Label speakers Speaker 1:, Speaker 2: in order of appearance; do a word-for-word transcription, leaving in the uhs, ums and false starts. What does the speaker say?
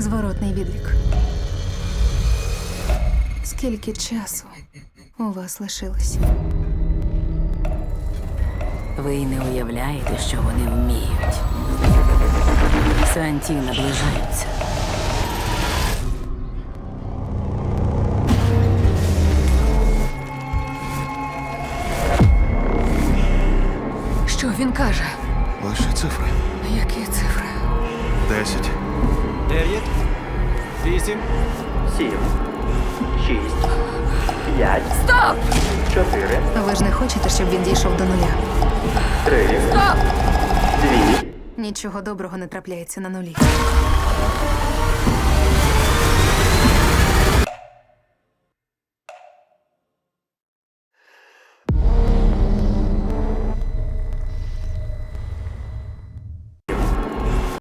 Speaker 1: Зворотний відлік. Скільки часу у вас лишилось?
Speaker 2: Ви й не уявляєте, що вони вміють. Санті наближаються.
Speaker 1: Що він каже?
Speaker 3: Лише цифри.
Speaker 1: Які цифри?
Speaker 3: Десять.
Speaker 4: Дев'ять, вісім,
Speaker 5: Сім, шість, п'ять,
Speaker 1: Стоп!
Speaker 5: чотири,
Speaker 1: Ви ж не хочете, щоб він дійшов до нуля?
Speaker 5: три,
Speaker 1: Стоп!
Speaker 5: дві,
Speaker 1: Нічого доброго не трапляється на нулі.